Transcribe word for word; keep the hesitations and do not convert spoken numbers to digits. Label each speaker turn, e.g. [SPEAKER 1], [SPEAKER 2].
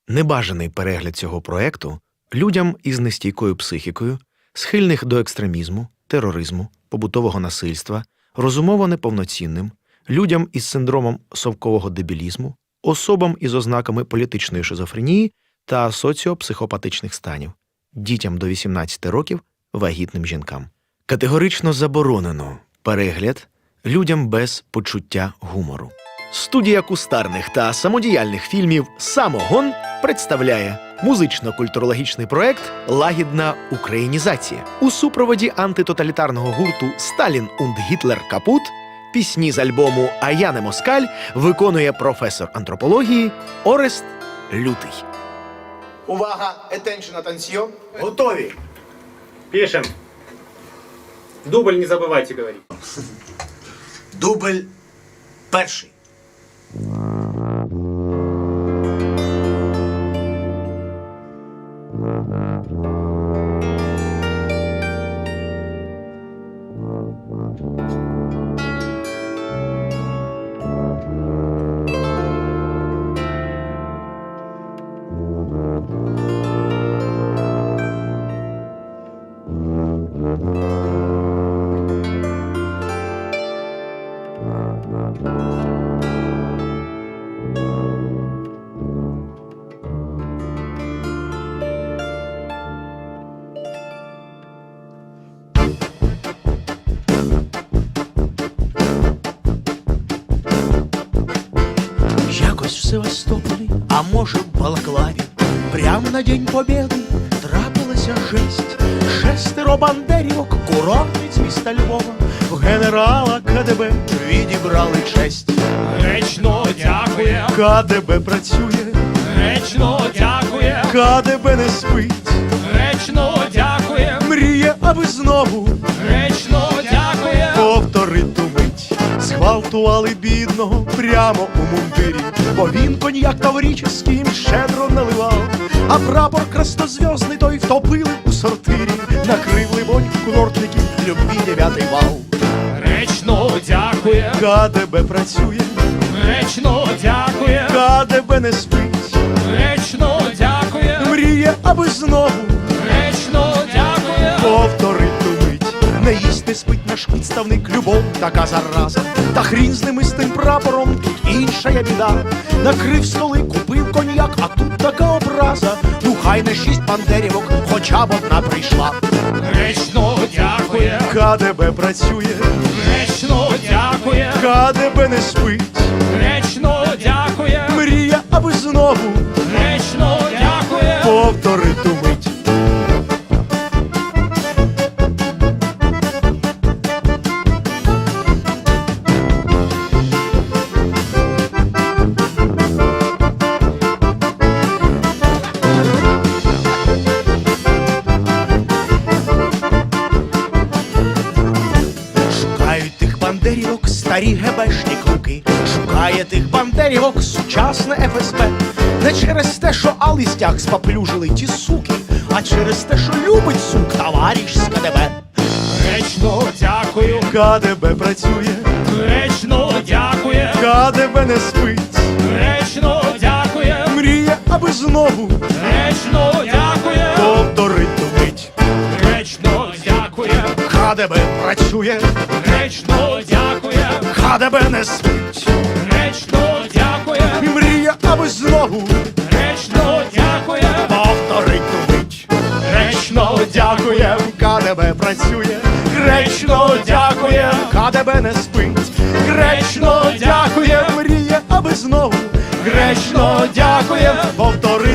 [SPEAKER 1] Небажаний перегляд цього проекту людям із нестійкою психікою, схильних до екстремізму, тероризму, побутового насильства, розумово неповноцінним, людям із синдромом совкового дебілізму, особам із ознаками політичної шизофренії та соціопсихопатичних станів, дітям до вісімнадцяти років, вагітним жінкам. Категорично заборонено перегляд людям без почуття гумору. Студія кустарних та самодіяльних фільмів «Самогон» представляє музично-культурологічний проект «Лагідна українізація». У супроводі антитоталітарного гурту «Сталін und Гітлер капут» пісні з альбому «А я не москаль» виконує професор антропології Орест Лютий.
[SPEAKER 2] Увага! Attention, attention! Готові!
[SPEAKER 3] Пишем. Дубль не забывайте говорить.
[SPEAKER 2] Дубль перший.
[SPEAKER 4] Якось в Севастополі, а може в Балаклаві, прямо на День Побєди трапилася жесть. Шестеро бандерівок, курортниць міста Львова, в генерала КДБ відібрали честь.
[SPEAKER 5] Гречно дякує,
[SPEAKER 4] КДБ працює,
[SPEAKER 5] гречно дякує,
[SPEAKER 4] КДБ не спить,
[SPEAKER 5] гречно дякує,
[SPEAKER 4] мріє, аби знову
[SPEAKER 5] гречно дякує.
[SPEAKER 4] повторити ту мить. Зґвалтували бідного прямо у мундирі, бо він коньяк тавріческий їм щедро наливав, а прапор краснозв'язний той втопили у сортирі, накрив либонь курортників любві дев'ятий вал.
[SPEAKER 5] Гречно дякує,
[SPEAKER 4] КДБ працює,
[SPEAKER 5] гречно дякує,
[SPEAKER 4] КДБ не спить,
[SPEAKER 5] гречно дякує,
[SPEAKER 4] мріє, аби знову
[SPEAKER 5] гречно дякує.
[SPEAKER 4] повторить ту мить. Не їсть, не спить наш підставник, любов така зараза. Та хрін з ними з тим прапором, тут інша я біда. Накрив столи, купив коньяк, а тут така образа. Ну хай не шість бандерівок, хоча б одна прийшла.
[SPEAKER 5] Гречно дякує,
[SPEAKER 4] КДБ працює,
[SPEAKER 5] гречно дякує,
[SPEAKER 4] КДБ не спить,
[SPEAKER 5] гречно дякує,
[SPEAKER 4] мріє, аби знову
[SPEAKER 5] гречно дякує.
[SPEAKER 4] повторить ту мить. Шукають тих бандерівок старі гебешні круки, шукає тих бандерівок сучасне еф ес бе. Не через те, що алистяк спаплюжили ті суки, а через те, що любить сук товариш з КДБ.
[SPEAKER 5] Гречно дякую,
[SPEAKER 4] КДБ працює,
[SPEAKER 5] гречно дякує,
[SPEAKER 4] КДБ не спить,
[SPEAKER 5] гречно дякує,
[SPEAKER 4] мріє, аби знову
[SPEAKER 5] гречно дякує,
[SPEAKER 4] повторить ту мить.
[SPEAKER 5] гречно дякує,
[SPEAKER 4] КДБ працює,
[SPEAKER 5] гречно дякує,
[SPEAKER 4] КДБ не спить,
[SPEAKER 5] гречно дякує,
[SPEAKER 4] мріє, аби знову
[SPEAKER 5] гречно дякує,
[SPEAKER 4] повторить ту мить.
[SPEAKER 5] гречно
[SPEAKER 4] Дякує, КДБ працює, гречно дякує, КДБ не спить, гречно дякує, мріє, аби знову, гречно дякує, повтори.